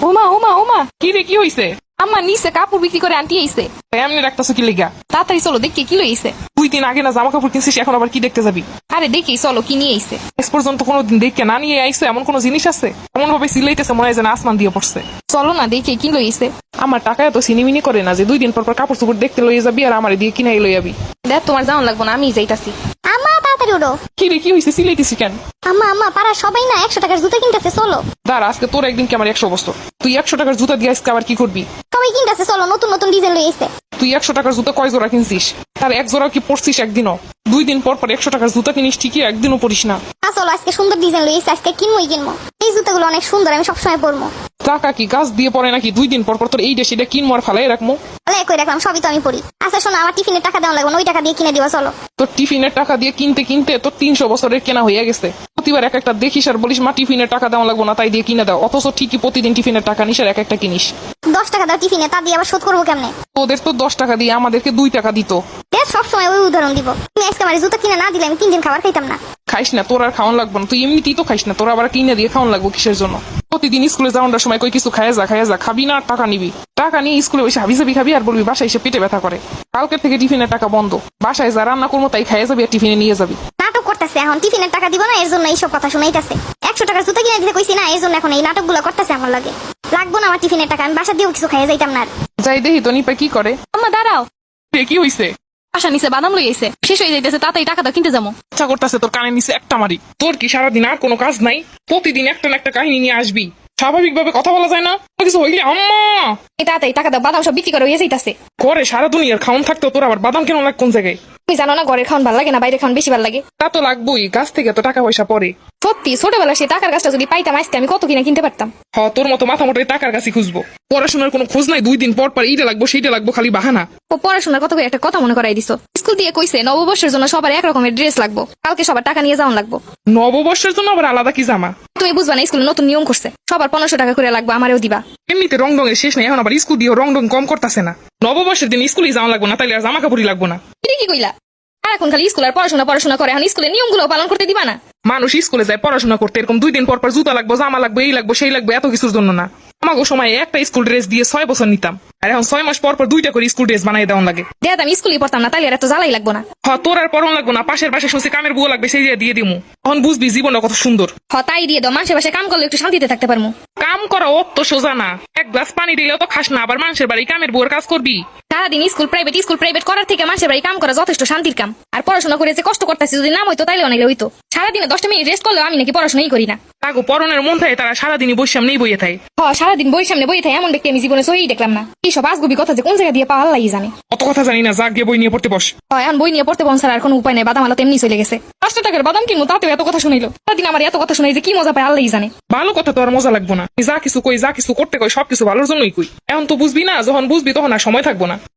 ওমা ওমা ওমা, কি রে, কি হইছে? আম্মা নিচে কাপড় বিক্রি করে আনটি আইছে। এমনি রাখতেছো কি লেগা? তাড়াতাড়ি চলো দেখি কি লইছে। 2 দিন আগে না জামা কাপড় কিনছিস, এখন আবার কি দেখতে যাবি? আরে দেখি চলো কি নিয়ে আইছে। এস পর্যন্ত কোনোদিন দেখে না নিয়ে আইসো এমন কোন জিনিস আছে? এমন ভাবে সিলাইতেছে মনে হয় যেন আসমান দিয়ে পড়ছে। চলো না দেখি কি লইছে। আমার টাকা এত সিনিমিনি করে না যে 2 দিন পর পর কাপড় চোপড় দেখতে লইয়ে যাবি আর আমার দিয়ে কিনাই লই যাবি। দেখ তোমার যাওয়ান লাগবো না, আমি যাইতাছি। আম্মা তাড়াতাড়ি উঠো। কি রে, কি হইছে? সিলাইতেছি কেন? আম্মা আম্মা পাড়ার সবাই না 100 টাকার জুতা কিনতেছে, চলো। দাঁড়া, আজকে তোর একদিন কি আমার 100 বছর। তুই 100 টাকার জুতা দিয়ে আজকে আবার কি করবি? সবাই কিনতেছে, চলো, নতুন নতুন ডিজাইন লই এসে। তুই 100 টাকার জুতা কয় জোড়া কিনছিস? তার এক জোড়া কি পরছিস একদিনও? 2 দিন পর পর 100 টাকার জুতা কিনিস ঠিকই, একদিনও পরিস না। চলো আজকে সুন্দর ডিজাইন লই এসে, আজকে কিনবই কিনবো। এই জুতাগুলো অনেক সুন্দর, আমি সবসময় পরবো। টাকা কি গাছ দিয়ে পড়ে নাকি? 2 দিন পর পর তোর এইটা সেটা কিনবো আর ফালাই রাখবো? তাহলে কই রাখলাম, সবই তো আমি পরি। আচ্ছা শোনো, আমার টিফিনের টাকা দেওয়া লাগবে না, ওই টাকা দিয়ে কিনে দিবা, চলো। তোর টিফিনের টাকা দিয়ে কিনতে কিনতে তোর 300 বছরের কেনা হয়ে গেছে। প্রতিবার এক একটা দেখিস আর বলিস মা টিফিনের টাকা দেওয়া লাগবো না, তাই দিয়ে কিনে দাও। অথচ ঠিকই প্রতিদিন টিফিনের টাকা নিস আর এক একটা কিনিস। 10 টাকা দাও টিফিনে, তা দিয়ে আবার শোধ করবো কেমনে? তোদের তো 10 টাকা দিয়ে আমাদেরকে 2 টাকা দিত। দেখ সবসময় ওই উদাহরণ দিব। তুমি আজকে আমার জুতা কিনে না দিলে আমি 3 দিন খাবার খাইতাম না। খাইস না, তোর আর খাওয়ান লাগবো না। তুই এমনিতেই তো খাইস না, তোর আবার কিনে দিয়ে খাওয়ান লাগবো কিসের জন্য? প্রতিদিন স্কুলে যাওয়ার সময় কই কিছু খাইয়া যা, খাবি না আর টাকা নিবি। টাকা নিয়ে স্কুলে বসে হাবি যাবি খাবি আর বলবি বাসায় এসে পেটে ব্যথা করে। কালকের থেকে টিফিনের টাকা বন্ধ। বাসায় যা রান্না করবো তাই খাইয়া যাবি আর টিফিনে নিয়ে যাবি। নাটক করতেছে এখন, টিফিনের টাকা দিব না এর জন্য এইসব কথা শুনাইতেছে। 100 টাকার জুতা কিনে দিতে কইছি না, এর জন্য এখন এই নাটকগুলো করতেছে আমার লাগে। লাগবো না আমার টিফিনের টাকা, আমি বাসা দিয়েও কিছু খাইয়া যাইতাম না আর। যাই দেখি তো নিপা কি করে। আম্মা দাঁড়াও, কি হইছে? আশা নিচে বাদাম লই আইছে, শেষ হয়ে যাইতেছে, তাড়াতাড়ি টাকা দাও কিনতে যাবো। ইচ্ছা করতেছে তোর কানে নিচে একটা মারি। তোর কি সারাদিন আর কোনো কাজ নাই? প্রতিদিন একটা না একটা কাহিনী নিয়ে আসবি। স্বাভাবিকভাবে কথা বলা যায় না? কিছু হইলে আম্মা এই তাড়াতাড়ি টাকা দাও, বাদাম সব বিক্রি করে হয়ে যাইতাছে। করে সারা দুনিয়ার খাওন থাকতো, তোর আবার বাদাম কেন লাগ কোন জায়গায়? তুমি জানো না ঘরের খাওয়ান ভালো লাগে না, বাইরে খাওয়ান বেশি ভালো লাগে। তা তো লাগবোই, গাছ থেকে তো টাকা পয়সা পড়ে। সত্যি ছোটবেলা সেই টাকার গাছটা যদি পাইতাম আজকে আমি কত কিনা কিনতে পারতাম। তোর মতো মাথা মোটাই টাকার কাছে খুঁজবো। পড়াশোনার কোনো খোঁজ নাই, 2 দিন পর পর এইটা লাগবো সেইটা লাগবো, খালি বাহানা। ও পড়াশোনার কথা কই একটা কথা মনে করাই দিছো। স্কুল দিয়ে কইছে নববর্ষের জন্য সবার এক রকমের ড্রেস লাগবো, কালকে সবার টাকা নিয়ে যাওয়ান লাগবো। নববর্ষের জন্য আবার আলাদা কি জামা? তুমি বুঝবা না, স্কুলে নতুন নিয়ম করছে, সবার 1500 টাকা করে লাগবে, আমারও দিবা। এমনিতে রং রঙের শেষ নেই, এখন আবার স্কুল দিয়ে রং কম করতেছে না। নববর্ষের দিন স্কুলে যাওয়া লাগবো না, তাইলে আর জামা কাপড়ই লাগবো না। এটা কি কইলা? আর এখন খালি স্কুল আর পড়াশোনা করে, এখন স্কুলের নিয়মগুলো পালন করতে দিবা না? মানুষ স্কুলে যায় পড়াশোনা করতে, এরকম 2 দিন পর পর জুতা লাগবো, জামা লাগবো, এই লাগবো সেই লাগবো, এত কিছুর জন্য না। আমাকে সময় একটা স্কুল ড্রেস দিয়ে 6 বছর নিতাম, আর এখন 6 মাস পর পর 2টা করে স্কুল ড্রেস বানাই দেওয়া লাগে। দেখ আমি স্কুলে পড়তাম না, তাইলে আর এত জ্বালাই লাগবো না। তোর আর পড়ন লাগবো না, পাশের বাসায় শুনছি কামের বুয়ো লাগবে, সেই দিয়ে দিমু। তখন বুঝবি জীবনটা কত সুন্দর। তাই দিয়ে দাও, মানুষের বাসায় কাম করলে একটু শান্তিতে থাকতে পারবো। কাম করা অত সোজা না। এক গ্লাস পানি দিলেও তো খাস না, আবার মানুষের বাড়ি কামের বুয়োর কাজ করবি। সারাদিন স্কুল প্রাইভেট করার থেকে মানুষের বাড়ি কাম করা যথেষ্ট শান্তির কাম। আর পড়াশোনা করে যে কষ্ট করতেছি যদি নাম হইতো তাইলে অনেক হইতো। সারাদিনে 10টা মিনিট রেস্ট করলেও আমি নাকি পড়াশোনাই করি না। তাগো পরনের মন থাকে, তারা সারাদিনই বই সামনেই বইয়ে থাকে। সারাদিন বই সামনে বই থাকে এমন ব্যক্তি আমি জীবনে সই দেখলাম না। এইসব আজগুবি কথা যে কোন জায়গা দিয়ে পাওয়া আল্লাহই জানে। অত কথা জানি না, যা গিয়ে বই নিয়ে পড়তে বস। এখন বই নিয়ে পড়তে বসার আর কোনো উপায় নেই, বাদাম আলো তেমনি চলে গেছে। 5 টাকার বাদাম কিনবো, তাতেও এত কথা শুনাইলো। সারাদিন আমার এত কথা শুনাই যে কি মজা পায় আল্লাহই জানে। ভালো কথা তো আর মজা লাগবো না। যা কিছু কই, যা কিছু করতে কই, সবকিছু ভালোর জন্যই কই। এখন তো বুঝবি না, যখন বুঝবি তখন আর সময় থাকবো না।